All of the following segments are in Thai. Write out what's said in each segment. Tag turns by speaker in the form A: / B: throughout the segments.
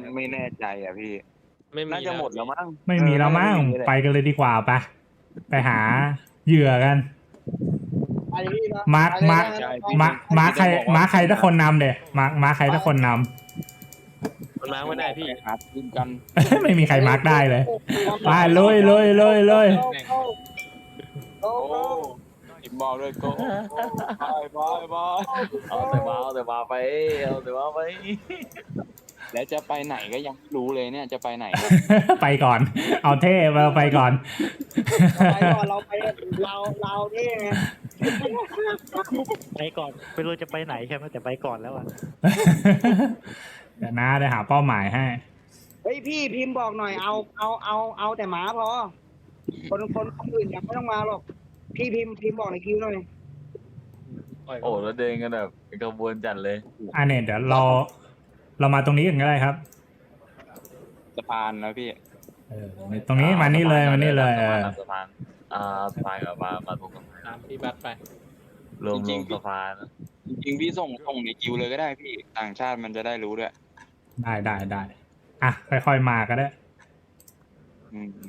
A: ไม่แน่ใจอ่ะพี่
B: ไม่มี
A: น่าจะหมดแล้วมั้ง
C: ไม่มีแล้วมั้ง
A: น่าจะ
C: ไปกันเลยดีกว่าไปหาเหยื่อกัน
D: ไปพี่นะ
C: มาร์ค
D: ไปเลย
C: มาร์ค
D: นะ
A: ใช่
C: มาใครสักคนนำเดี๋ยมาใครสักคนน
B: มันมาไม่ได้พี่
A: ไปหาทีมกัน
C: ำ ไม่มีใครมาร์คได้เลยไปเลย
D: โอ้
A: โอ้ทีมบอลด้วยโก้บาย
E: เอาแต่มาไปเอาแต่มาไป
A: แล้วจะไปไหนก็ยังไม่รู้เลยเนี่ยจะไปไหน
C: ไปก่อน เอาเท่มาไปก่อน
D: ไปก่อนเราไปเรานี่ไง
F: ไปก่อนไม่รู้จะไปไหนใช่ไหมแต่ไปก่อนแล้วอ่ะ
C: เดี๋ยวนะได้หาเป้าหมายให้
D: เฮ้ยพี่พิมพ์บอกหน่อยเอาแต่หมาพอคนอื่นยังไม่ต้องมาหรอกพี่พิมพ์บอกในคิวหน่อย
E: โอ้แล้วเดินกันแบบเป็นขบวนจัดเลย
C: เนี่ยเดี๋ยวเรามาตรงนี้กันก็ได้ครับ
A: สะพานนะพี่
C: ตรงนี้มานี่เลย
E: สะพานสะพานกับมาตรงกับ
B: ตามพี่บัตไป
E: รวมสะพาน
A: จริงๆพี่ส่งในคิวเลยก็ได้พี่ต่างชาติมันจะได้รู้ด้วย
C: ได้อ่ะค่อยๆมาก็ได้
A: อืม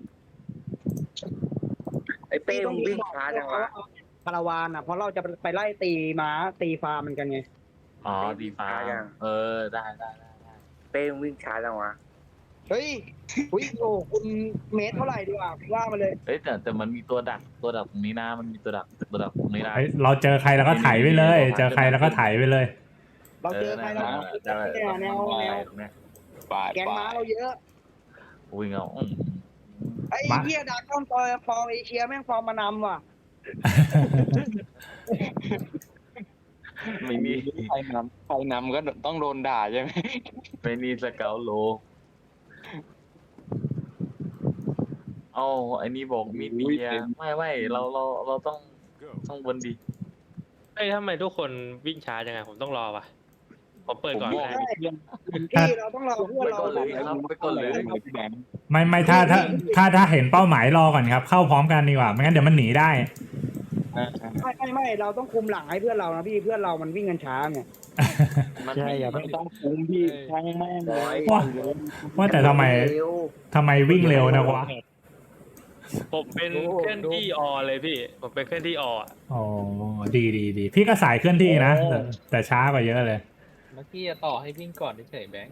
G: ไอ้เป้มึงวิ่งช้าจังวะ
D: คาราวานอ่ะเพราะเราจะไปไล่ตีม้าตีฟาร์มมันกันไง
E: อ๋อดีฟ้าได้
G: เป้มึงวิ่งช้าจังวะ
D: เฮ้ยอุ้ยโอ้คุณเมตรเท่าไหร่ดีกว่าว่ามาเลย
E: เฮ้ยแต่มันมีตัวดักตรงนี้นะมันมีตัวดักตรงนี้นะ
C: เราเจอใครแล้วก็ไถไปเลย เจอใครแล้วก็ไถไปเลย
D: เราเจอใครแล้วแนว
A: บาย
D: แกงม้าเราเยอะ
E: วิ่งเอา
D: ไอ้เหี้ยดาก้อนฟอร์เอเชียแม่งฟอร์มมานำว่ะ
E: ไม่มี
A: ใครนำก็ต้องโดนด่าใช่ไหม
E: ไม่มีสเกลโลเอาไอ้นี่บอกมีเดียไม่เราต้องบนดี
B: เอ้ยทำไมทุกคนวิ่งช้าจังไงผมต้องรอวะผมเปิด
A: ผม
B: ก่อน
A: บอก
B: ได้
D: พี่เราต้องรอเพื่อนเรา
A: ไปก่อนเลยพี่แบงค์
C: ไม่ถ้าเห็นเป้าหมายรอก่อนครับ เข้าพร้อมกันดีกว่าไม่งั้นเดี๋ยวมันหนีได้
D: ไม่เราต้องคุมหลังให้เพื่อนเรานะพี่เพื่อนเรามันวิ่งกันช้าไง
F: ใช่อย่า
A: ไม่ต้องคุ้มพี่ช่างแม่งเลย
C: ว่าแต่ทำไมวิ่งเร็วนะวะ
B: ผมเป็นเคลื่อนที่อเลยพี่ผมเป็นเคลื่อนที่อ
C: อ๋อดีพี่ก็สายเคลื่อนที่นะแต่ช้ากว่าเยอะเลย
H: เมื่อกี้จะต่อให้วิ่งก่อนเฉยๆแบงค์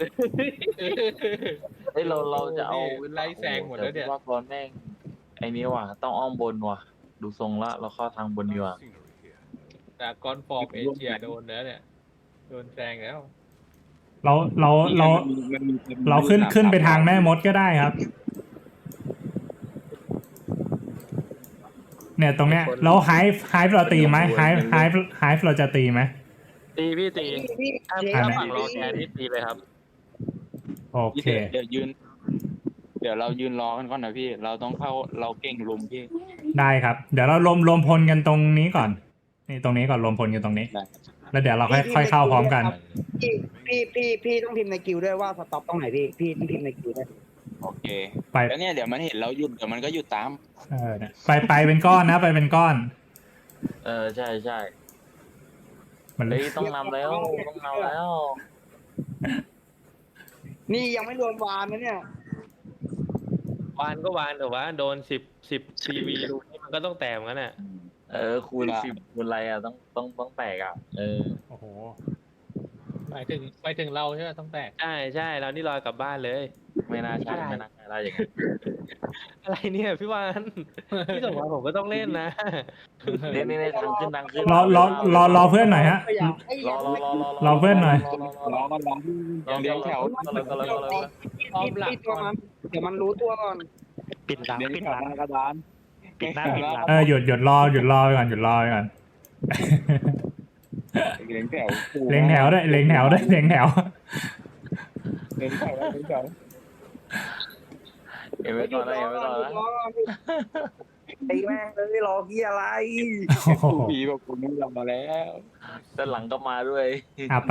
E: เฮ้ยเราจะเอา
H: ไล่แซงหมดแล้วเนี่ย
E: ว่าก่อนแม่งไอ้นี้ว่ะต้องอ้อมบนว่ะดูทรงละเราเข้าทางบนดีกว่า
H: แต่ก้อนฟอร์มเอเชียโดนแล้วเนี่ยโดนแซงแล้ว
C: เราขึ้นไปทางแม่มดก็ได้ครับ เนี่ยตรงเนี้ยแล้วไฮฟ์เราตีไหมไฮฟ์เราจะตีไหม
B: ตีพี่ตี
D: พี่
B: ถ้าฝั่งรอแกนี่ตีเลยครับ
C: โอเค
A: เดี๋ยวเรายืนรอกันก่อนนะพี่เราต้องเข้าเราเก่งลุมพี่
C: ได้ครับ เดี๋ยวเรารวมพลกันตรงนี้ก่อนนี่ตรงนี้ก่อนรวมพลกันตรงนี้ แล้วเดี๋ยวเราค่อยเข้าพร้อมกัน
D: พี่ต้องพิมพ์ในคิวด้วยว่าสต็อปตรงไหนพี่ต้องพิมพ์ในคิวด้วย
A: โอเค
C: ไป
A: แล้วเนี่ยเดี๋ยวมันเห็นเราหยุดเดี๋ยวมันก็หยุดตาม
C: เนี่ยไปเป็นก้อนนะไปเป็นก้อน
E: ใช่
C: มันเลย
E: เฮ้ยต้องนำแล้ว
D: นี่ยังไม่รวมวานนะเนี่ยว
B: านก็วานแต่ว่าโดน10 CV ดูนี่มันก็ต้องแตกเหมือนกันน่ะ
E: คูณ10คูณอะไรอ่ะต้องแตกอ่ะ
C: โอ้โห
H: หมายถึงเราใช่ไหมต้องแตก
B: ใช่เรานี่ลอยกลับบ้านเลย
E: ไม่น่าใช่ได้อย่างนั้น
B: อะไรเนี่ยพี่วานพี่สมหวังผมก็ต้องเล่นนะ
E: นี่ทางขึ้น
C: รอเพื่อนหน่อยฮะ รอเพื่อนหน่อย
A: รอเลี้ยงแถว
D: พี่ตัวมันเดี๋ยวมันรู้ตัวก่อน
F: ปิดหลัง
A: เลี้ยง
F: ปิด
A: แถ
F: ห
A: ว
F: ลัง
A: กระดาน
F: ปิดหน้าปิดหลัง
C: หยุดรอไปก่อน
A: เลี้ยงแถว
C: เล็งแถวด้วยเล็งแถว
A: เลี้ยงแถว
E: เอ็มไม่ต่อได้
G: ไอ้แม่งเลยรอเฮียอะไร
A: ผีบอกคุณไม่ยอมมาแล้ว
E: ด้านหลังก็มาด้วย
C: ไป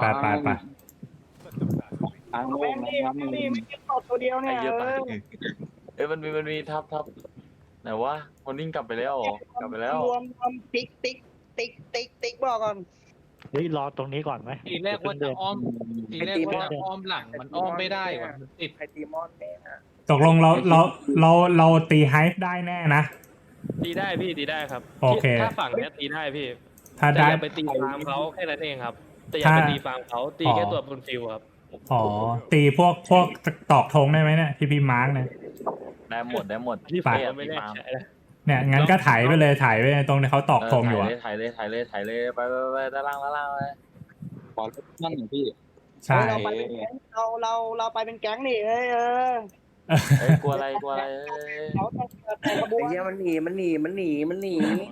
A: ทางโล
D: แม่
A: ก
D: ง
A: นะ
D: นี่
A: ครับ
D: ไม่ตอดตัวเดียวเนี่ย
E: มันมีทับไหนวะมันวิ่งกลับไปแล้ว
D: รวมติ๊กบอกก่อน
F: เฮ้ยรอตรงนี้ก่อนไหม
H: ทีแรกว่าจะอ้อมทีแรกว่าจะอ้อมหลังมันอ้อมไม่ได้ว่ะมันติด
G: ใครตีมอนเนี่ยนะ
C: ตกลงเราตีไฮฟ์ได้แน่นะ
B: ตีได้พี่ตีได้ครับ
C: โอเค
B: ถ้าฝั่งเนี้ยตีได้พี่
C: ถ้า
B: แต่
C: ได้
B: อย่าไปตีฟาร์มเขาแค่นั้นเองครับแต่อย่าไปตีฟาร์มเขาตีแค่ตัวบนฟิลครับ
C: อ๋อตีพวกตอกธงได้ไหมเนี่ยที่พี่มาร์กเนี่ย
E: ได้หมดได้หมด
B: ที่
C: ไป
B: ฝั่งไม่แน่ใจนะ
C: เนี่ยงั้นก็ถ่ายไปเลยถ่ายไปตรงที่เขาตอกธงอยู่อะ
E: ถ่ายเลยไปด้านล่างไป
A: ขอนั่นหน่อยพี่
C: ใช่
D: เราไปเป็นแก๊งเราไปเป็นแก๊งนี่เอ้ย
E: กลัวอะไร
D: เขาแต่ขบว
G: ไอ้
D: น
G: เหี้ยมันหนี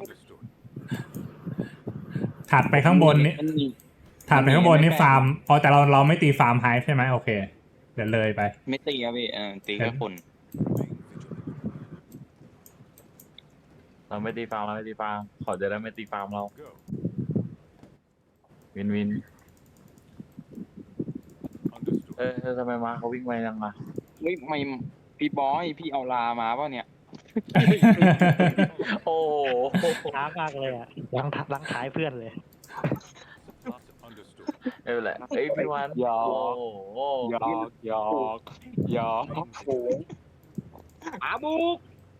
C: ถัดไปข้างบนนี่
A: มันมี
C: ถัดไปข้างบนนี่ฟาร์มอ๋อแต่เราไม่ตีฟาร์มไฮฟ์ใช่ไหมโอเคเดี๋ยวเลยไป
A: ไม่ตีครับพี่ตีแค่คน
E: เราไม่ตีฟาร์มขอจะได้ไม่ตีฟาร์มเราวินทำไมมาเขาวิ่งไปยังอ่ะ
A: เฮ้ยไม่พี่บอยพี่เอาลามาป่ะเนี่ย
E: โอ้
F: ช้ามากเลยอ่ะลังท้ายเพื่อนเลย
E: ไม่เป็นไรเอ้ยพี่วัน
A: หยอก
E: โอ้โห
A: หยอก
D: อาบุก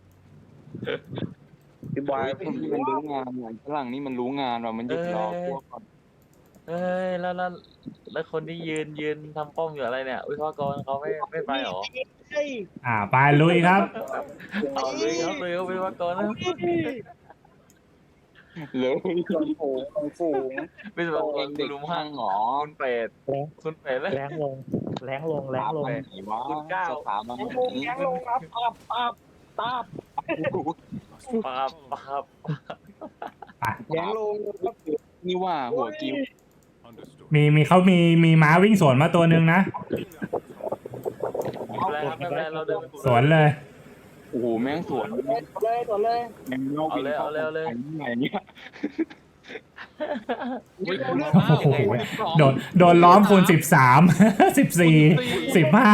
G: พี่บอย
A: เฮ้ยมันรู้งานอย่างฝรั่งนี่มันรู้งานว่ามันหยุดรอพวกก่อน
E: เอ้ยแล้วคนที่ยืนทำป้อมอยู่อะไรเนี่ยวิศวกรเขาไม่ไปหรอ
D: เฮ้ย
C: ไปลุยครับ
E: เอาเลยครับวิศวกรนะ
A: เลย
G: ฝูง
E: วิศวก
A: เอ
E: รง
A: เด็ก
E: ลุม
A: ข้า
E: ห้าง
A: หรอ
E: คุณเป็ดแล้ว
F: แรงลงแรงลง
A: ไหนวะสถาบัน
D: แก๊งลงแก๊งลงครับปับ
E: ปาบ
D: แก๊งลง
A: นี่ว่าหัวกิ้ว
C: มีเขามีม้าวิ่งสวนมาตัวหนึ่งนะ
E: ไม่เป็นไรเราเดิน
C: สวนเลย
A: โอ้โหแม่งสวน
D: เลย
A: แม่งเอาไหนเนี่ย
H: อุ้ย
C: โอ้โหโดนล้อมคูณ13 14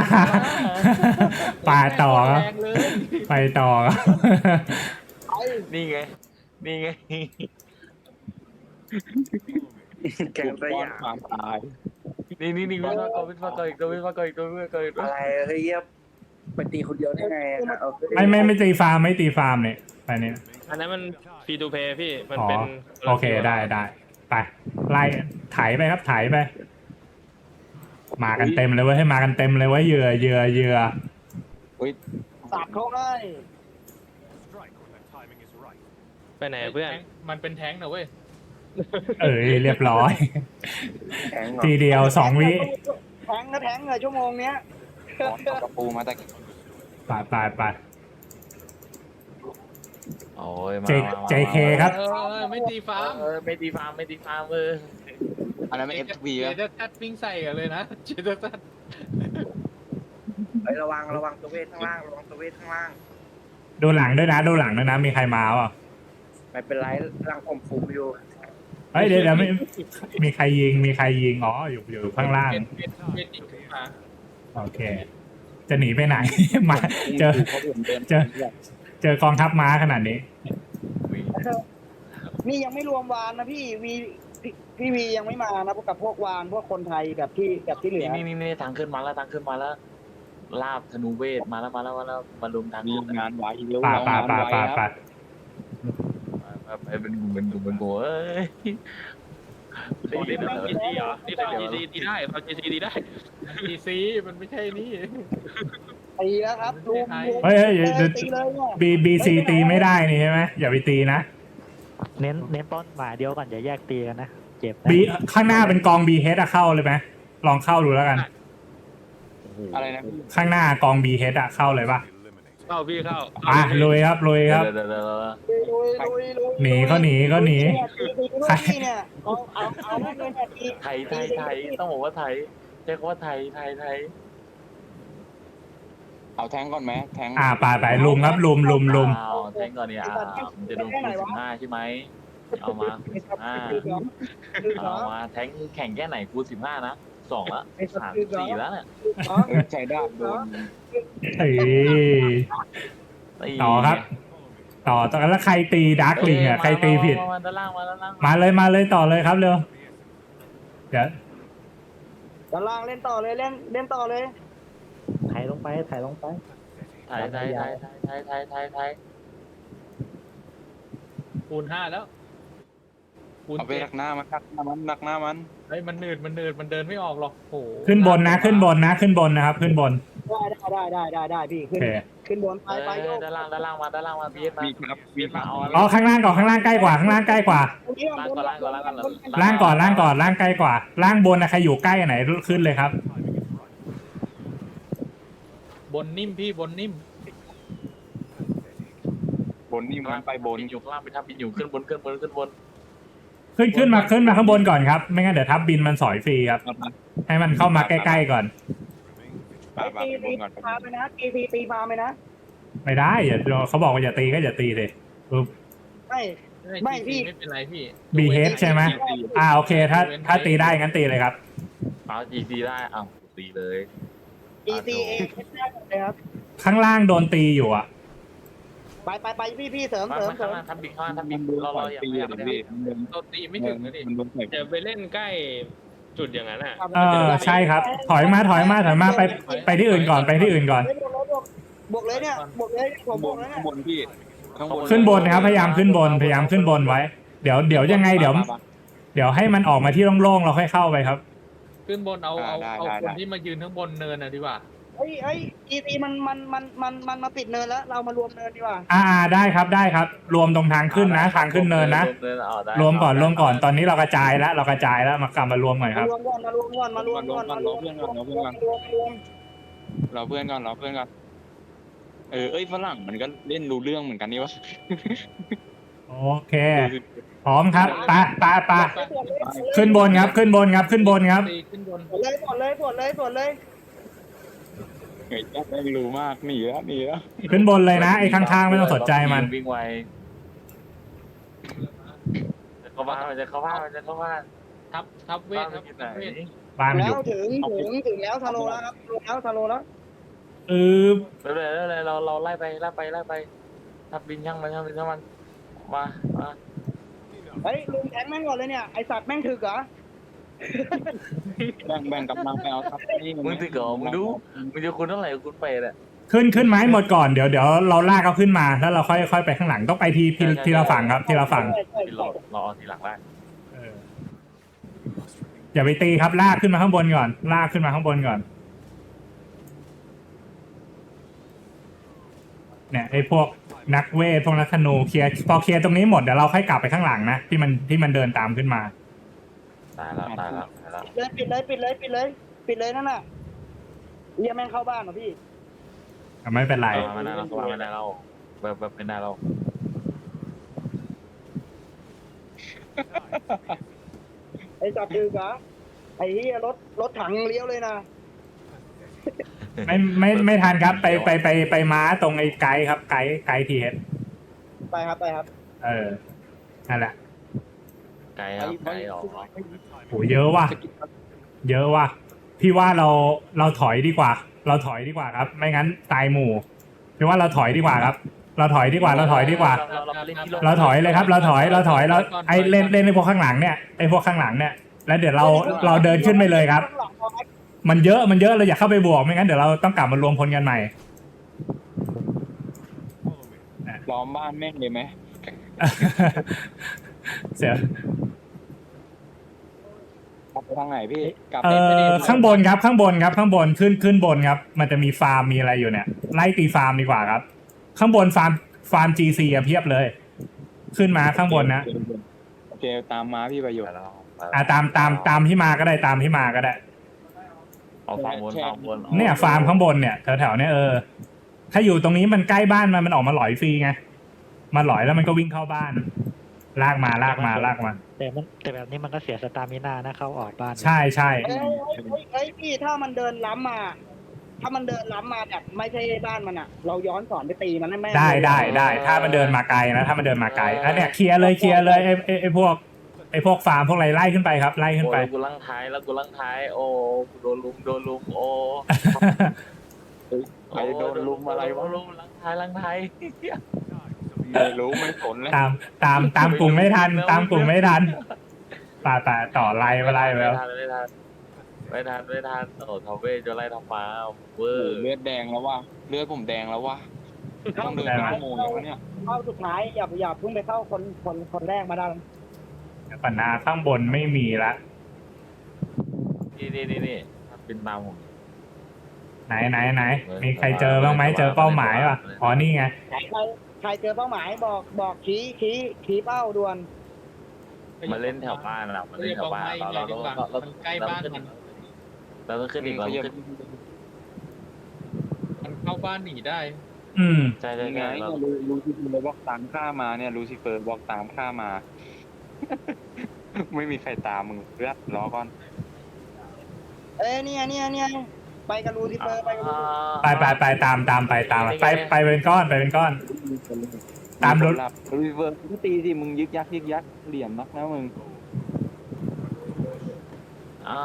C: 15 ป่าต่อครับ
H: แรงเลย
C: ไปต่อครับ
E: นี่ไง
G: แกงสยาม
A: ความตาย
E: นี่วิศวกรอีกตัว
G: อะไรเฮ้ยไปตีคนเดียวได้ไงอะเอา
C: ไม่ตีฟาร์มเนี่ยไปเนี่ย
B: อันนั้นมันฟรีทูเพย์พี่มัน
C: อ๋อ
B: เป็น
C: โอเคได้ไปไล่ไถไปครับไถไป มากันเต็มเลยเว้ยให้มากันเต็มเลยเว้ยเหยื่อ
D: สับเขาให้
B: ไปไหนเพื่อน
H: มันเป็นแท้งนะเว้ย
C: เรียบร้อย
G: แข็งเหรอ
C: ทีเดียว2 วิ
D: แทงเลยชั่วโมงเนี้ย
A: กระปูมาแต่
C: ไป
E: โอ้ยมา
C: JK ครับ
H: ไม่ตีฟ้า
E: ไม่ตีฟาร์ม
A: อันนั้นไม่เอฟบี
H: เจ
A: อะ
H: เดอร์ทัดวิ่งใส่กันเลยนะเจเดอร์ทัด
G: ระวังตัวเวทข้างล่างระวังตัวเวทข้างล่าง
C: ดูหลังด้วยนะมีใครมาเปล่า
G: ไม่เป็นไรร่างผมฟูอยู่
C: เฮ้ยเดี๋ยวไม่มีใครยิงอ๋ออยู่ข้างล่าง
H: เป็นอีกมา
C: โอเค จะหนีไปไหน มาเจอกองทัพม้าขนาดนี้
D: นี่ยังไม่รวมวานนะพี่วียังไม่มานะพวกกับพวกวานพวกคนไทยแบบที่เหลือ
E: นี่ทางขึ้นมาแล้วลาบธนูเวทมาแล้วมาลุมทาง
A: มี
E: ขึ้น
A: งานไว้เร็ว
C: ป่า
E: ไปเป็นกลุ่มเอ้ย
B: นี่เป็น GC เหรอนี่เป็น GC ตีได้เอา GC ตีได้
H: ทีซีมันไม่ใช่นี่
D: ตีแล้วครับลุม
C: เฮ้ย
D: ตีเลยเนี่ย
C: BC ตีไม่ได้นี่ใช่ไหมอย่าไปตีนะ
F: เน้นต้นหมาเดียวก่อนอย่าแยกตีกันนะเจ็บนะ
C: B ข้างหน้าเป็นกอง BH เข้าเลยไหมลองเข้าดูแล้วกัน
A: อะไรนะ
C: ข้างหน้ากอง BH เข้าเลยป่ะ
B: เข้าพี่เข้า
C: ลุยครับ
E: ลุย
C: หนีก็หนี
D: เนี่ยเอาแม่เงินแบบนี้
E: ไทยต้องบอกว่าไทยใช้คำว่าไทย
A: เอาแทงก่อนไหมแทง
C: ไปลุมครับลุม
E: แทงก่อนเนี่ยจะโดนคูณ15ใช่ไหมเอามาเอามาแทงแข่งแค่ไหนคูณ15นะ2ละ3 4แล้วเนี่ย
A: ใจด้าโดน
C: ต่อครับต่อแล้วใครตีดาร์กลิงอ่ะใครตีผิดมาเลยต่อเลยครับเร็วเดี๋ยว
D: ด้านล่างเล่นต่อเลยเล่นต่อเลย
F: ถ่ายลงไปถ่ายลงไป
E: ไทย
H: คูณ 5แล้วคูณ
A: เอาไป
H: 7
A: ดักหน้ามันดักหน้ามัน
H: เฮ้ยมันหนืดมันเดินไม่ออกหรอกโอ้โห
C: ขึ้นบนนะขึ้นบนนะขึ้นบนนะครับ ขึ้นบน
D: ได้พี่
C: โอ
D: ขึ้น
C: เค
D: ขึ้นบนไปโยก
E: ด้านล่างมาบีเอสมา
A: มีครับมีครับ
C: อ๋อข้างล่างก่อนข้างล่างใกล้กว่าข้างล่างใกล้กว่า ล่างก่อนล่างใกล้กว่า ล่างบนนะใครอยู่ใกล้อันไหนขึ้นเลยครับ
H: บนนิ่มพี่บนนิ่ม
A: บนนี่มันไปบน
E: อยู่ข้างล่างไปทับบินอยู่ขึ้นบน
C: ขึ้นมาข้างบนก่อนครับ ไม่งั้นเดี๋ยวทับบินมันสอยฟรีครับ ให้มันเข้ามาใกล้ๆก่อน
A: ปาไปบนก่อน
D: พาไปนะตีพาไปนะ
C: ไม่ได้อย่าเขาบอกว่าอย่าตีก็อย่าตีเลยปุ๊บ
D: ไม่พี่
H: ไม่เป็นไรพี่
C: BH ใช่ไหม โอเคถ้าตีได้งั้นตีเลยครับ
E: เอาGCได้เอาตีเลย
D: EC เองเลยครับ
C: ข้างล่างโดนตีอยู่อ่ะ
D: ไปพี่เสริม
E: ข้างล่างทับบินเราอย่า
A: ตี
E: ไม่
A: เลย
H: เราตีไม่ถึงนะดิ
A: มันโดนใส่
B: จะไปเล่นใกล้จุดอย่างนั้นอ่ะ
C: ใช่ครับ ถอยมาไปที่อื่นก่อนไปที่อื่นก่อน
D: บวกเลยเนี่ยบวกเลยผมบวกแล้วเนี่ย
A: ข้างบนพี่ข้างบน
C: ขึ้นบนนะครับพยายามขึ้นบนไว้ เดี๋ยวยังไงเดี๋ยวให้มันออกมาที่โล่งๆเราค่อยเข้าไปครับ
H: ขึ้นบนเอาคนที่มายืนข้างบนเนินน่ะดีกว่า
D: EC มันมาปิดเนินแล้วเรามารวมเนินดีกว่า
C: ได้ครับรวมตรงทางขึ้นนะทางขึ้นเนินนะรวมก่อนตอนนี้เรากระจายแล้วมากลับมารวมหน่อยครับ
D: มารวมก่อน
A: รอเพื่อนก่อนเอ้ยฝรั่งมันก็เล่นรู้เรื่องเหมือนกันนี่วะ
C: โอเคพร้อมครับไปขึ้นบนครับ
H: ตีขึ้นบน
D: เลย
A: เฮ้ยแม่งรู้มากหนีแล้ว
C: ขึ้นบนเลยนะไอ้ข้างๆไม่ต้องสนใจมัน
E: วิ่งไวเข้าบ้านมันจะเข้าบ้าน
H: ทับเวทครับเวท
C: บ้านมันอ
D: แล้
C: ยู่
D: วถึงแล้วทะโลแล้วครับทะโลแล้ว
E: เลยเราไล่ไปทับบินช่างมันมา
D: เฮ้ยลุงแทงแม่งก่อนเลยเนี่ยไอสัตว์แม่งถึกเหรอ
A: แบ่งกำลังไปเอาครับนี่
E: มึงติดเหรอมึงดูมึงจะคุณเท่าไหร่คุณไปอ่ะ
C: ขึ้นไม้หมดก่อนเดี๋ยวเราลากเขาขึ้นมาแล้วเราค่อยไปข้างหลังต้องไปทีละฝั่งครับทีละฝั่ง
E: รอทีหลังได้
C: อย่าไปตีครับลากขึ้นมาข้างบนก่อนเนี่ยไอ้พวกนักเวทพวกนักธนูพอเคลียร์ตรงนี้หมดเดี๋ยวเราค่อยกลับไปข้างหลังนะที่มันเดินตามขึ้นมา
E: ตายแล้ว
D: ปิดเลยนั่นน่ะเรียแม่งเข้าบ้านเหรอพี่
C: ไม่เป็นไร
E: ไม่ได้เราแบบเป็นได้เรา
D: ไอสัตว์ถึกเหรอไอ้เหี้ยรถถังเลี้ยวเลยนะ
C: ไม่ทันครับไปม้าตรงไอ้ไกด์ครับไกด์ทีเฮด
D: ไปครับ
C: นั่นแหละ
E: ไกลครับไกลออก
C: โหเยอะว่ะพี่ว่าเราถอยดีกว่าครับ ไม่งั้นตายหมู่พี่ว่าเราถอยดีกว่าครับเราถอยดีกว่าเราถอยเลยครับเราถอยแล้วไอ้เล่นไอ้พวกข้างหลังเนี่ยแล้วเดี๋ยวเราเดินขึ้นไปเลยครับมันเยอะเราอย่าเข้าไปบวกไม่งั้นเดี๋ยวเราต้องกลับมารวมพลกันใหม่
A: ล้อมบ้านแม่งเลยไหม
C: เสีย
A: กลับไปทางไหนพี่กลับ
C: ข้างบนครับขึ้นบนครับมันจะมีฟาร์มมีอะไรอยู่เนี่ยไล่ตีฟาร์มดีกว่าครับข้างบนฟาร์ม GC เพียบเลยขึ้นมาข้างบนนะ
A: โอเคตามมาพี่ประโยชน์
C: ตามที่มาก็ได้
E: เอาฟาร์มบน
C: เนี่ยฟาร์มข้างบนเนี่ยแถวๆเนี่ยถ้าอยู่ตรงนี้มันใกล้บ้านมันออกมาหลอยฟรีไงมาหลอยแล้วมันก็วิ่งเข้าบ้านลากมา
F: แต่แบบนี้มันก็เสียสตามินานะเข้าออกบ้าน
C: ใช่
D: เฮ้ยพี่ถ้ามันเดินล้ำมาแบบไม่ใช่บ้านมันอ่ะเราย้อนสอนไปตีมันให้แม่
C: ได้ถ้ามันเดินมาไกลนะแล้วเนี่ยเคลียร์เลยไอ้พวกฟาร์มพวกอะไรไล่ขึ้นไปครับไล่ขึ้นไป
E: กูลังท้ายโอ้โดนลุมโอ้
A: ใครโดนลุมอะไรวะ
E: ลุมลังท้าย
A: ไม่รู้ไม่สนเลย
C: ตามกลุ่มไม่ทันป่าต่อไล่ไปไล่ไปแล้ว
E: ไม่ทันโอ้ทอเวจะไล่ทำฟ้าเวอ
A: โอ้
E: ร์
A: เลือดแดงแล้วว่ะเลือดผมแดงแล้วว่ะต้องเดินเป็นชั่วโมงแล้ววะเนี่ย
D: เข้าสุดท้ายอย่าเพิ่งไปเข้าคนแรกมาได้
C: ปัญหาข้างบนไม่มีละ
E: นี่เป็นตามผม
C: ไหนมีใครเจอบ้างไหมเจอเป้าหมายป่ะอ๋อนี่ไง
D: ใครเจอเป้าหมายบอกชี้เป้าด่วน
E: มาเล่นแถวบ้านเรามาเล่นแถวบ้านเรา
H: มันใกล้บ้านมัน
E: เราต้องขึ้นอีกเราขึ้น
H: มันเข้าบ้านหนีได้
C: อืม
E: ใช่
A: ยังไง
E: เรา
A: ลูซิเฟอร์บอกตามข้ามาเนี่ยลูซิเฟอร์บอกตามข้ามา ไม่มีใครตามมึงเลือดรอก่อน
D: เนี่ยไปกับลูซิเฟอร์ไปกับลู
C: ไปตามไปเป็นก้อนไปเป็นก้อน ตามรถ
A: ลูซิเฟอร์ก็ตีสิมึงยึกยักเหลี่ยมนักนะมึง
E: อ้าว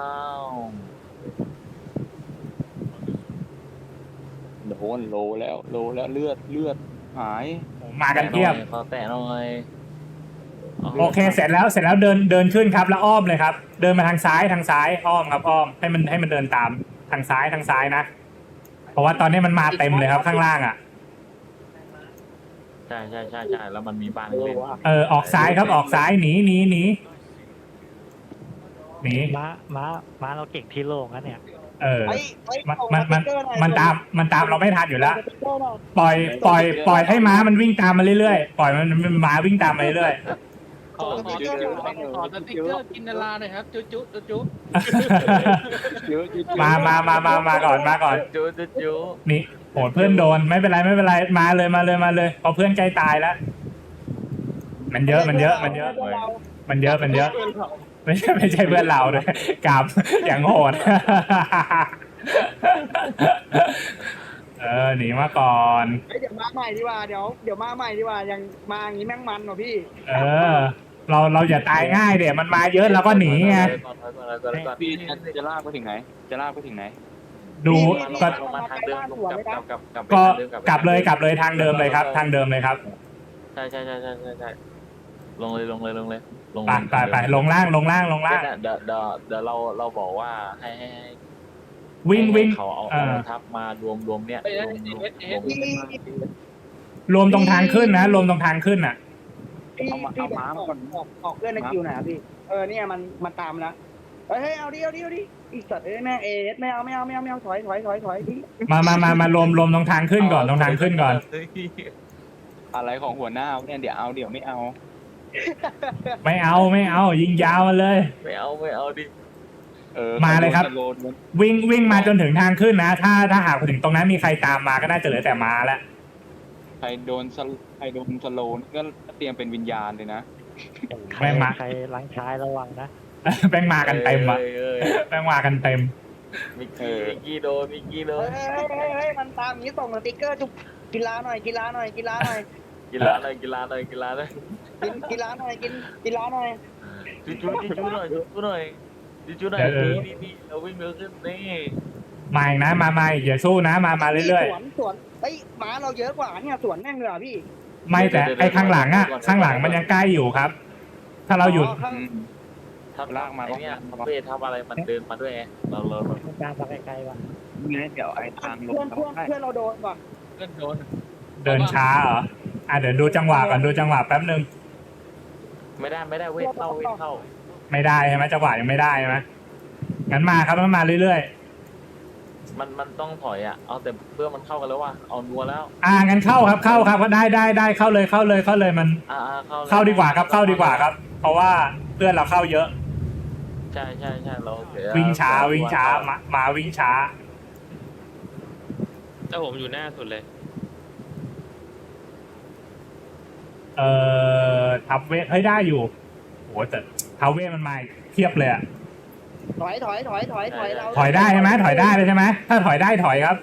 A: โดนโลแล้วเลือดหาย
C: มากันเทียบ
E: ขอแตะหน่อย
C: โอเคเสร็จแล้วเดินขึ้นครับแล้วอ้อมเลยครับ เดินมาทางซ้ายอ้อมครับอ้อมให้มันเดินตามทางซ้ายนะเพราะว่าตอนนี้มันมาเต็มเลยครับข้างล่างอ่ะ
E: ใช่แล้วมันมีบ้านเล่น
C: ออกซ้ายครับออกซ้ายหนี
F: ม้าเราเก่งที่โล่งนะเนี่ย
C: มันตามเราไม่ทันอยู่แล้วปล่อยให้ม้ามันวิ่งตามมาเรื่อยๆปล่อยมันม้าวิ่งตามมาเรื่อย
H: ขอสติ๊กเกอร์กินนาราหน่อยครับจุ๊
C: มาก่อน
E: จู
C: นี่โหเพื่อนโดนไม่เป็นไรมาเลยเพราะเพื่อนใกล้ตายแล้วมันเยอะไม่ใช่เพื่อนเราด้วยกลับอย่างโหดหนีมาก่อน
D: เดี๋ยวมาใหม่ดีกว่าเดี๋ยวมาใหม่ดีกว่ายังมาอย่างนี้แม่งมันเหรอพี่
C: เราอย่าตายง่ายเดี๋ยวมันมาเยอะเราก็หนีไง
A: พี่จะลากไปถึงไหน
C: ดูก็
E: มาทางเดิมกลับ
C: ก็กลับเลยทางเดิมเลยครับทางเดิมเลยครับ
E: ใช่ลงเลย
C: ไปลงล่าง
E: เดี๋ยวเราบอกว่าให้
C: วิ่ง
E: เขาเอาทับมารวมเนี่ย
C: รวมตรงทางขึ้นนะรวมตรงทางขึ้นอ่ะ
D: พี่ม้ามาก่อนออกเพื่อนในคิวหน่อยพี่เนี่ยมันตามแล้วเฮ้ยเอาดิอีสัตว์แม่เอสไม่เอาถอยพี่
C: มารวมตรงทางขึ้นก่อน
A: อะไรของหัวหน้าเนี่ยเดี๋ยวไม่เอา
C: ไม่เอายิงยาวมาเลย
E: ไม่เอาดิ
C: มาเลยครับวิ่งมาจนถึงทางขึ้นนะถ้าหากถึงตรงนั้นมีใครตามมาก็น่าจะเหลือแต่ม้าแล้ว
A: ใครโดนสโลนก็เตรียมเป็นวิญญาณเลยนะ
F: ใครล้างชายระวังนะ
C: แม่งมากันเต็มอ่ะแม่งมากันเต็ม
E: มิกกี้โดน
D: เฮ้ยมันตามนี้ส่งสติ๊กเกอร์จุกกีฬาหน่อย
E: กินร้านเลยกินร้านเลยจุหน่อยจุหน่อยจุหน่อยนี่เราวิ่งเร็วขึ้นนี่
C: มาอีกนะมาอย่าสู้นะมาเรื่อย
D: ๆสวนม้าเราเยอะกว่าเนี่ยสวนแม่งเลยพี่
C: ไม่แต่ไอ้ข้างหลังมันยังใกล้อยู่ครับ ถ้าเราหยุด
E: ทับลากมาเนี่ยเวททับอะไรมันเดินมาด้วยเรา
F: การมาไกลๆว่ะ
A: นี่เดี๋ยวไอ้ทางลง
D: เพื่อนเราโดนว่ะ
H: เพื่อนโดน
C: เดินช้าเหรอเดี๋ยวดูจังหวะก่อนดูจังหวะแป๊บนึง
E: ไม่ได้เวทเข้า
C: ไม่ได้ใช่ไหมจังหวะยังไม่ได้ใช่ไหมงั้นมาครับมันมาเรื่อย
E: ๆมันต้องถอยเอาแต่เพื่อมันเข้ากันแล้วว่ะเอานัวแล้ว
C: งั้นเข้าครับก็ได้เข้าเลยมันเข้าดีกว่าครับเพราะว่าเพื่อนเราเข้าเยอะ
E: ใช่เรา
C: วิ่งช้ามาวิ่งช้า
B: แต่ผมอยู่หน้าสุดเลย
C: ทับเวทเฮ้ยได้อยู่โหแต่ทับเวทมันมาเทียบเลย
D: ถอยเรา
C: ถอยได้ใช่ไหมถอยได้เลยใช่ไหมถ้าถอยได้ถอยครับ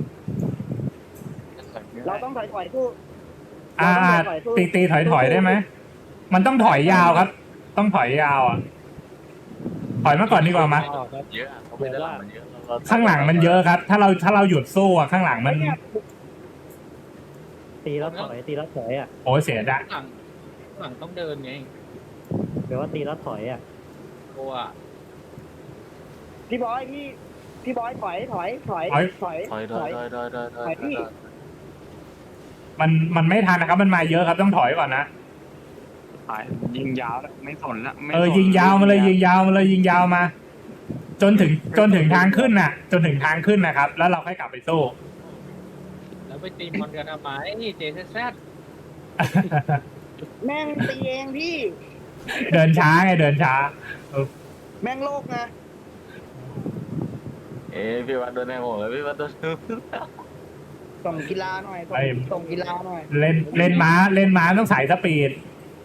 D: เราต้องถอยสู้
C: ตีถอยได้ไหมมันต้องถอยยาวครับต้องถอยยาวถอยมาก่อนดีกว่ามั้ย
E: เยอะเขาไม่ได้หลังมันเยอะ
C: ข้างหลังมันเยอะครับถ้าเราหยุดสู้ข้างหลังมัน
F: ตีแล้วถอย
C: โอ้เสียดาย
H: หลังต้องเดินไง
F: แปลว่าตีแล้วถอย
H: ตัว
D: พี่บอยพี่บอยถอยถอย
E: ถอย
C: มันไม่ทันนะครับ มันมาเยอะครับต้องถอยก่อนนะ
A: ยิงยาวแล้วไม่สนละไม่
C: ยิงยาวมาเลยยิงยาวมาเลยยิงยาวมา จนถึงทางขึ้นน่ะ จนถึงทางขึ้นนะครับ แล้วเราค่อยกลับไปสู้
H: แล้วไปตีมอนกันทำไมเจแซด
D: แม่งตีเองพี่
C: เดินช้าไงเดินช้า
D: แม่งโลกนะ
E: พี่วัดโดนแทงหัวเลยพี่วัดโดน
D: ส่งกีฬาหน่อยส่งกีฬาหน่อย
C: เล่นม้าต้องสายสปีด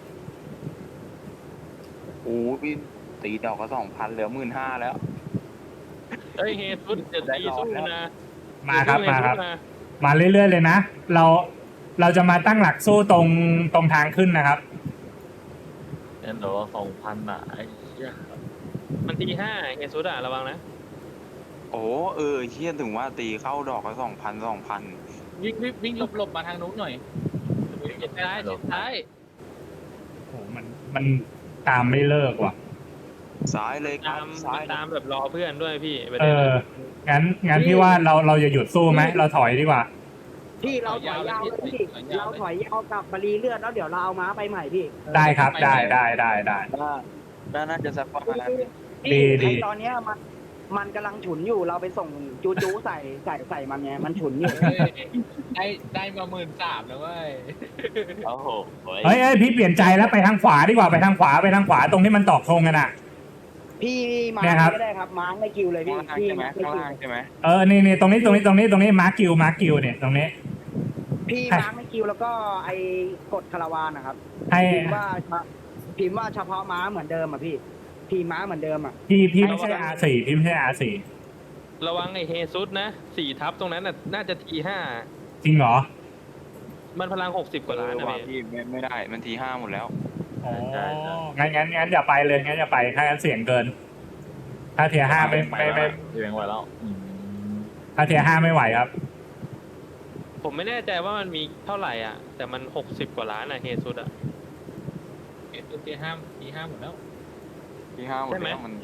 A: โอ้พี่ตีดอกก็2,000เหลือ15,000แล้ว
B: เฮ้ยเฮซุดจะตีสู้นะ
C: มาครับ
B: สู้
C: มาครับ
B: เฮซุดนะ
C: มาเรื่อยๆเลยนะ เราจะมาตั้งหลักสู้ตรงทางขึ้นนะครับ
E: เนี่ยเดี๋ยว2,000อ่ะไอ้เหี้ย
B: มันตี5เฮซุดอะระวังนะ
A: โอ้เชี่ยถึงว่าตีเข้าดอกก็2,000
H: วิ่งหลบมาทางนู้นหน่อยเจ็ดท้าย
C: โอ้มันตามไม่เลิกว่ะ
A: ซ้ายเลยครับซ้าย
B: ตามแบบรอเพื่อนด้วยพี่ประ
C: เอ
B: เด็น
C: อ งั้นพี่ว่าเราจะหยุดสู้ไหมเราถอยดีกว่า
D: พี่เราถอยยาวเลยพี่เราถอยยาวกับบารีเลือดแล้วเดี๋ยวเราเอาม้าไปใหม่พี่
C: ได้ครับได้
A: น่าจะสักประมาณ
C: ดี
D: ไอตอนเนี้ยมันกำลังฉุนอยู่เราไปส่งจูใส่มันไงมันฉุนอยู่
H: ได้มา13,000แล้วเว้ย
A: โอ้โห
C: เฮ้ยพี่เปลี่ยนใจแล้วไปทางขวาดีกว่าไปทางขวาตรงที่มันตอกธงกันอ่ะ
D: พี่มา
C: เนี่ยครับ
D: ก็ได้ครับมาร์คไม่คิวเลยพี่
A: ข้างล่าง
D: พี่
A: ใช่ไหม
D: มาร์คไม่
A: ข้าง
D: คิว
A: ล่างใช่ไหม
C: นี่ตรงนี้มาร์กิวเนี่ยตรงนี้
D: พี่มาร์คไม่คิวแล้วก็ไอ้กดคาราวานนะครับ
C: ให้
D: พิมพ์ว่าเฉพาะม้าเหมือนเดิมอ่ะพี่ม้าเหมือนเดิมอ่ะ
C: พี่ไม่ใช่ R4 พี่ไม่ใช่ R4
B: ระวังไอ้เฮซุดนะ4 ทับตรงนั้นน่ะน่าจะที
C: จริงเหรอ
B: 5มันพลัง60 กว่าล้านนะ
A: ว่า
B: พี่
A: พี่ไม่ได้มันที5หมดแล้ว
C: อ๋องั้นอย่าไปเลยงั้นอย่าไปถ้างั้นเสี่ยงเกิน ถ้าเทียร์5ไม่
E: เสียงไหวแล้ว
C: ถ้าเทียร์5ไม่ไหวครับ
B: ผมไม่แน่ใจว่ามันมีเท่าไหร่อ่ะ แต่มัน60 กว่าล้านอ่ะเฮซุดอ่ะ
H: ตีห้าหมดแล้ว
A: ที5หมดแล้วมัน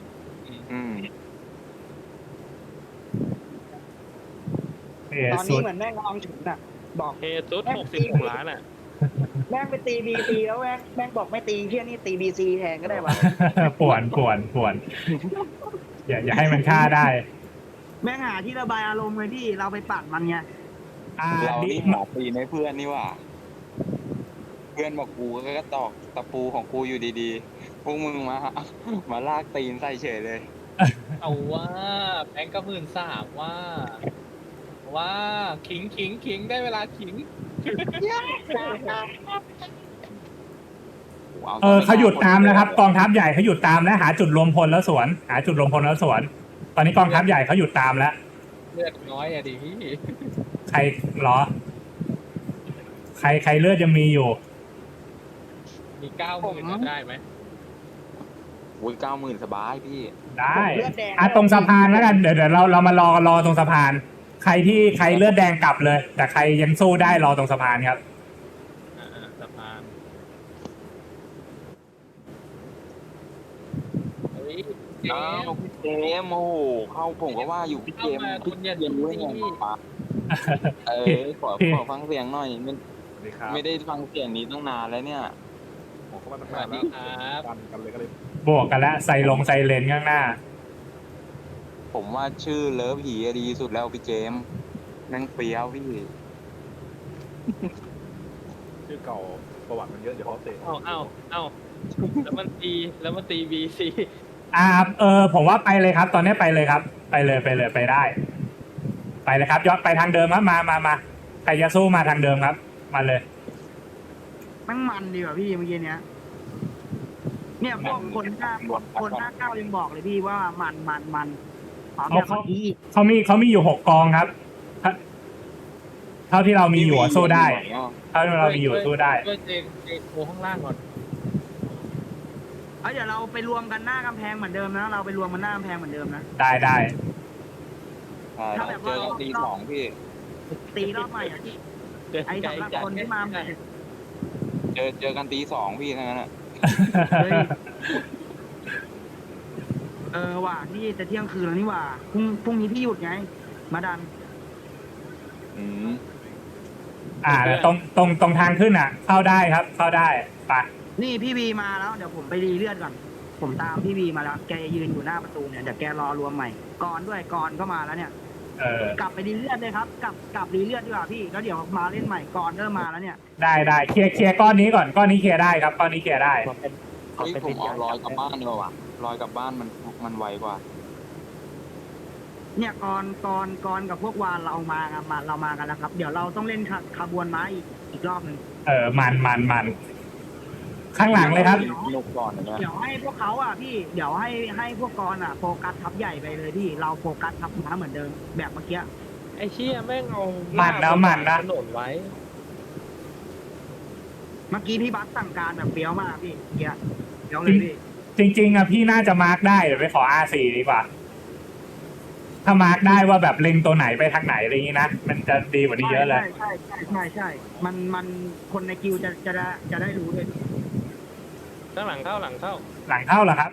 D: ตอนนี้เหมือนแม่งกำลังฉุนอ่ะบอก
B: เฮซุด66 ล้านอ่ะ
D: แม่งไปตีบีซีแล้วแม่งบอกไม่ตีเที่ยนี่ตีบีซีแทนก็ได้วะ
C: ป่วนอย่าให้มันฆ่าได้
D: แม่งหาที่ระบายอารมณ์เลยพี่เราไปปัดมันไง
A: เรานี่หาตีในเพื่อนนี่ว่าเพื่อนบอกกูก็ตอกตะปูของกูอยู่ดีๆพวกมึงมาลากตีนใส่เฉยเลย
H: เอาว่าแบงก์ก็13,000ว่าขิงได้เวลาขิง
C: เขาหยุดตามแล้วครับกองทัพใหญ่เขาหยุดตามแล้วหาจุดรวมพลแล้วสวน ตอนนี้กองทัพใหญ่เขาหยุดตามแล้ว
H: เลือดน้อยอะดิพี่
C: ใครเหรอ ใครเลือดยังมีอยู่
H: มี90,000ได้ไหม
A: อุ้ย90,000สบายพี่
C: ได้ตรงสะพานแล้วกันเดี๋ยวเรามารอตรงสะพาน ใครเลือดแดงกลับเลย แต่ใครยังสู้ได้รอตรงสะพานครับ
H: สะพาน
A: อ้าวพี่เจมโอ้โหเข้าผมก็ว่าอยู่พี่เจมพี่เจมด้วยไงปะขอฟังเสียงหน่อยไม่ได้ฟังเสียงนี้ตั้งนานแล้วเนี่ย
H: สวัสดีครับ
C: บวกกันแล้วไซเลนข้างหน้า
A: ผมว่าชื่อเลิฟหีดีสุดแล้วพี่เจมนั่งเฟี้ยวพี่
I: ชื่อเก่าประวัติมันเยอะเดี๋ยวเขาเตะ
B: เอ้าแล้วมันตีบีซี
C: ผมว่าไปเลยครับ ตอนนี้ไปเลยครับ ไปเลยไปได้ ไปเลยครับย้อนไปทางเดิมครับมาใครจะสู้มาทางเดิมครับ มาเลย
D: มันดีกว่าพี่เมื่อกี้เนี้ยเนี่ยพวกคนหน้าเก้ายังบอกเลยพี่ว่ามันขอแบบเมื่อกี้อีก
C: เขามีอยู่6 กองครับ เท่าที่เรามีอยู่สู้ได้เท่าที่เรามีอยู่สู้ได้
H: ช่วยเจโอข้างล่างก่อน
D: เดี๋ยวเราไปรวมกันหน้ากำแพงเหมือนเดิมนะเราไปรวมกันหน้ากำแพงเหมือนเดิมนะ
C: ได้
A: เจอกันตี2พี่
D: ตีรอบใหม่อ่ะพี่ไอ้สำหรับคนที่มาใหม่
A: เจอกันตี2พี่ทั้งนั้นอ่ะ
D: ว่ะนี่จะเที่ยงคืนแล้วนี่ว่ะพรุ่งนี้พี่หยุดไง มาดัน
A: อืม
C: แล้วตรงทางขึ้นอ่ะ เข้าได้ครับ เข้าได้ไป
D: นี่พี่บีมาแล้วเดี๋ยวผมไปรีเลือดก่อน ผมตามพี่บีมาแล้ว แกยืนอยู่หน้าประตูเนี่ยเดี๋ยวแกรอรวมใหม่ก่อนด้วยก่อนก็มาแล้วเนี่ย กลับไปรีเลือดเลยครับกลับรีเลือดดีกว่าพี่แล้วเดี๋ยวมาเล่นใหม่ก่อนเริ่มมาแล้วเนี่ย
C: ได้เคลียร์ก้อนนี้ก่อนก้อนนี้เคลียร์ได้ครับก้อนนี้เคลียร์ได้
F: ผมเป็น
A: เฮ้ยผมเอาลอยกลับบ้านดีกว่าว่ะลอยกลับบ้านมันไวกว่า
D: เนี่ยก่อนกับพวกวานเรามากันแล้วครับ เดี๋ยวเราต้องเล่นขบวนม้าอีกรอบหนึ่ง
C: มันข้างหลังเลยครับ
A: นกก่อนนะ
D: เดี๋ยวให้พวกเขาอ่ะพี่เดี๋ยวให้พวกกรอ่ะโฟกัสทับใหญ่ไปเลยพี่เราโฟกัสทับม้าเหมือนเดิมแบบเมื่อกี้
B: ไอ้เชี่ยแม่งเอา
C: มันนะ
B: ถนนไว้
D: เมื่อกี้พี่บัสสั่งการแบบเปรี้ยวมากพี่เดี๋ยวเลยพี่
C: จริงๆอ่ะพี่น่าจะมาร์กได้เดี๋ยวไปขอ R4 ดีกว่า ถ้ามาร์กได้ว่าแบบเล็งตัวไหนไปทางไหนอะไรอย่างนี้นะมันจะดีกว่านี้เยอะเลย
D: ใช่มันคนในกิวจะได้รู้ด้วย
B: ข้างหลังเข้า
C: หลังเข้าเหรอครับ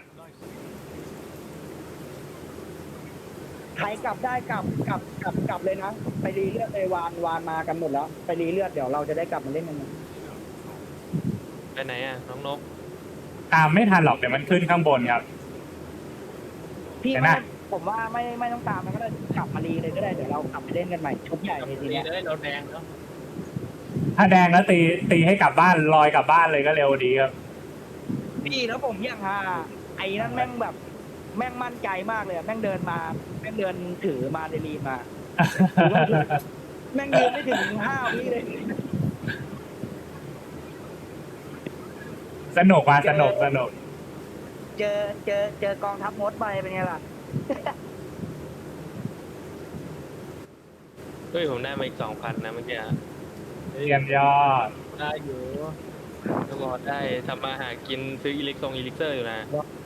D: ใครกลับได้กลับเลยนะไปรีเลือดเลยวานมากันหมดแล้วไปรีเลือดเดี๋ยวเราจะได้กลับมาเล่นกัน
B: ไปไหนอ่ะน้องนก
C: ตามไม่ทันหรอกเดี๋ยวมันขึ้นข้างบนครับ
D: พี่
C: เห็นไหม
D: ผมว่าไม่ต้องตามมันก็ได้กลับมารีเลยก็ได้เดี๋ยวเรากลับไปเล่นกันใหม่ชุดใหญ่ในทีเนี้ย
H: ได้เราแดงเนาะ
C: ถ้าแดงแล้วตีให้กลับบ้านลอยกลับบ้านเลยก็เร็วดีครับ
D: พี่แล้วผมยังฮาไอ้นั่นแม่งแบบแม่งมั่นใจมากเลยแม่งเดินถือมาเดลีมา แม่งยืนไม่ถึง5 วิเลย
C: สนุก
D: เจอกองทัพมดไปเป็นไงล่ะ
B: เฮ้ยผมได้มาอีก 2,000 นะเมื่อกี้
C: เยี่ยมยอด
H: ได้อยู่
B: ก็บอกได้ทำมาหากินซื้ออิเล็กเซอร์อยู่นะ